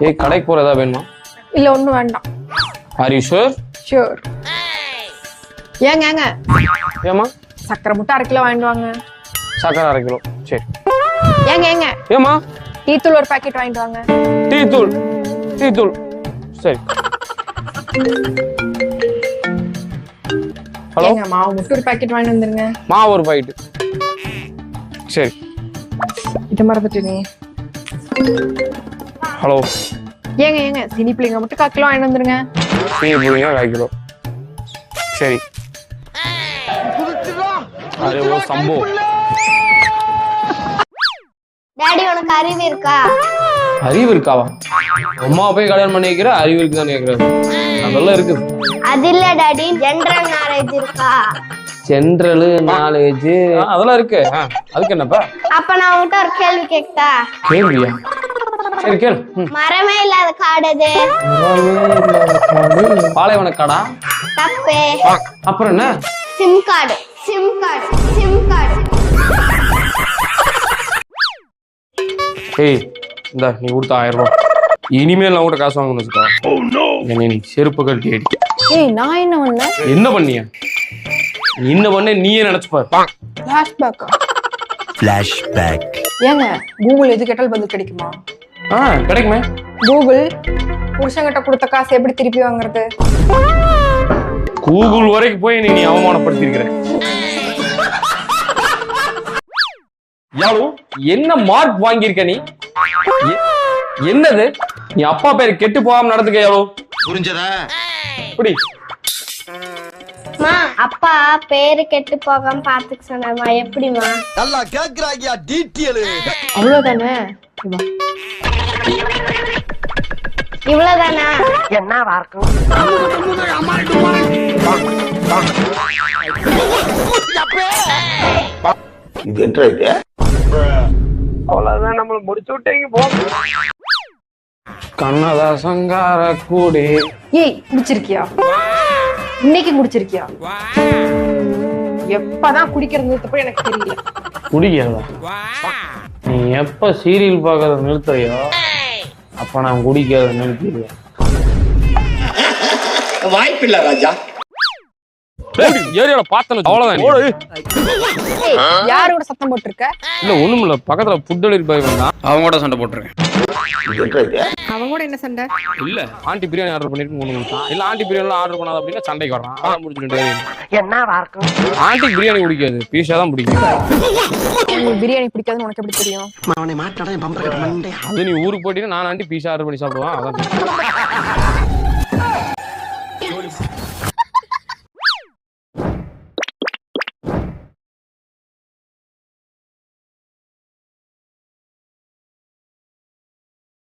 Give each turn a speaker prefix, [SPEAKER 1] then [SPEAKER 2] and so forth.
[SPEAKER 1] ஏய் கடைக்கு போற ஏதாவது வேணுமா?
[SPEAKER 2] இல்ல ஒண்ணும் வேண்டாம்.
[SPEAKER 1] Are you sure?
[SPEAKER 2] ஷூர். ஏங்க
[SPEAKER 1] ஏமா
[SPEAKER 2] சக்கரை முட்டை 1/2 கிலோ வாங்கிட்டு வாங்க.
[SPEAKER 1] சக்கரை 1/2 கிலோ. சரி.
[SPEAKER 2] ஏங்க
[SPEAKER 1] ஏமா
[SPEAKER 2] டீ தூள் ஒரு பாக்கெட் வாங்கிட்டு வாங்க.
[SPEAKER 1] டீ தூள். சரி. ஹலோ.
[SPEAKER 2] ஏங்க மாவு முட்டை ஒரு பாக்கெட் வாங்கிட்டு வந்துருங்க.
[SPEAKER 1] மாவு ஒரு பாக்கெட். சரி.
[SPEAKER 2] இத மறந்துட்டீங்க.
[SPEAKER 1] ஹலோ.
[SPEAKER 2] ஏங்க சீனி பிள்ளைங்க மட்டும் 1/4 கிலோ வாங்கிட்டு வந்துருங்க.
[SPEAKER 1] சீனி புளிங்க 1/4 கிலோ. சரி. அரே ஓ சம்போ.
[SPEAKER 3] டாடி உனக்கு அறிவு இருக்கா?
[SPEAKER 1] அறிவு இருக்காவா? அம்மா போய் கல்யாணம் பண்ணி வைக்கிற அறிவு இருக்குதான்னு கேக்குறாரு. அதெல்லாம் இருக்குது.
[SPEAKER 3] அது இல்ல டாடி, ஜெனரல் நாலேஜ் இருக்கா?
[SPEAKER 1] ஜெனரல் நாலேஜ் அதெல்லாம் இருக்கு. அதுக்கு என்னப்பா?
[SPEAKER 3] அப்ப நான் உன்கிட்ட ஒரு கேள்வி கேட்டா?
[SPEAKER 1] கேள்வியா? சரி கேள்.
[SPEAKER 3] மரமே இல்லாத காடு அது?
[SPEAKER 1] பாலைவன காடா?
[SPEAKER 3] தப்பு.
[SPEAKER 1] அப்புறம் என்ன?
[SPEAKER 3] SIM card.
[SPEAKER 1] ஏய் இந்த நீ கொடுத்த 1000 ரூபாய். இனிமேல் நான் கூட காசு வாங்கணும்னு வச்சுக்கோ. என்னை நீ செருப்பு கழட்டி அடி.
[SPEAKER 2] ஏய் நான் என்ன பண்ணேன்?
[SPEAKER 1] என்ன பண்ணியா? என்ன பண்ண நீயே நினைச்சு பாரு.
[SPEAKER 2] ஃபிளாஷ்பேக். ஏங்க கூகுள் எது கேட்டாலும் பதில் கிடைக்குமா?
[SPEAKER 1] கிடைக்குமே.
[SPEAKER 2] கூகுள் புருஷங்கிட்ட கொடுத்த காசு எப்படி திருப்பி வாங்குறது?
[SPEAKER 1] கூகுள் வரைக்கும் போய் நீ அவமானப்படுத்திருக்கிற. யாரு என்ன மார்க் வாங்கியிருக்க நீ? என்னது? நீ அப்பா பேரு கெட்டு போகாம நடந்துக்க யாரோ.
[SPEAKER 4] புரிஞ்சதா?
[SPEAKER 1] இப்படி
[SPEAKER 3] மா அப்பா பேரு கெட்டு போகாம பாத்துக்க சொன்னாமா. எப்படிமா?
[SPEAKER 4] நல்லா கேக்குறாங்க டீட்டெயில்.
[SPEAKER 2] அவ்வளவுதானே.
[SPEAKER 3] இவ்வளவுதானா?
[SPEAKER 2] என்னவா இருக்கும்?
[SPEAKER 4] இது என்ன இது?
[SPEAKER 1] அவ்வளவுதான் நம்மள முடிச்சு விட்டீங்க போ. கண்ணதா சங்கார கூடி.
[SPEAKER 2] ஏய் குடிச்சிருக்கியா? இன்னைக்கு குடிச்சிருக்கியா? எப்பதான் குடிக்கிறது தப்பு எனக்கு தெரியல.
[SPEAKER 1] குடிக்கிறதா? நீ எப்ப சீரியல் பாக்குறத நிறுத்துறியோ அப்ப நான் குடிக்கிறத நிறுத்திடுவேன்.
[SPEAKER 4] வாய்ப்பில்லை ராஜா.
[SPEAKER 1] ஏரியால பார்த்தல அவ்வளவுதான்.
[SPEAKER 2] யாரோட சத்தம் போட்டிருக்க?
[SPEAKER 1] இல்ல ஒண்ணும் இல்ல, பக்கத்துல ஃபுட் டெலிவரி பாய் வந்தான், அவங்க கூட சண்டை போட்டுருக்கேன்.
[SPEAKER 2] அவங்க கூட என்ன சண்டை?
[SPEAKER 1] இல்ல ஆண்டி பிரியாணி ஆர்டர் பண்ணிட்டு 3 நிமிஷம் இல்ல ஆண்டி பிரியாணி ஆர்டர் பண்ணாத அப்படின்னா சண்டைக்கு வரான். அதான் முடிச்சுட்டு
[SPEAKER 2] என்னவா இருக்கும்?
[SPEAKER 1] ஆண்டி பிரியாணி பிடிக்காது, பீஸா தான் பிடிக்கும்.
[SPEAKER 2] உங்களுக்கு பிரியாணி பிடிக்காதுன்னு உனக்கு எப்படி தெரியும்?
[SPEAKER 4] அவனை மாட்டாடா பம்பர் கட்ட மண்டே.
[SPEAKER 1] அது நீ ஊருக்கு போயிட்டீங்கன்னா நான் ஆண்டி பீஸா ஆர்டர் பண்ணி சாப்பிடுவான். அதான்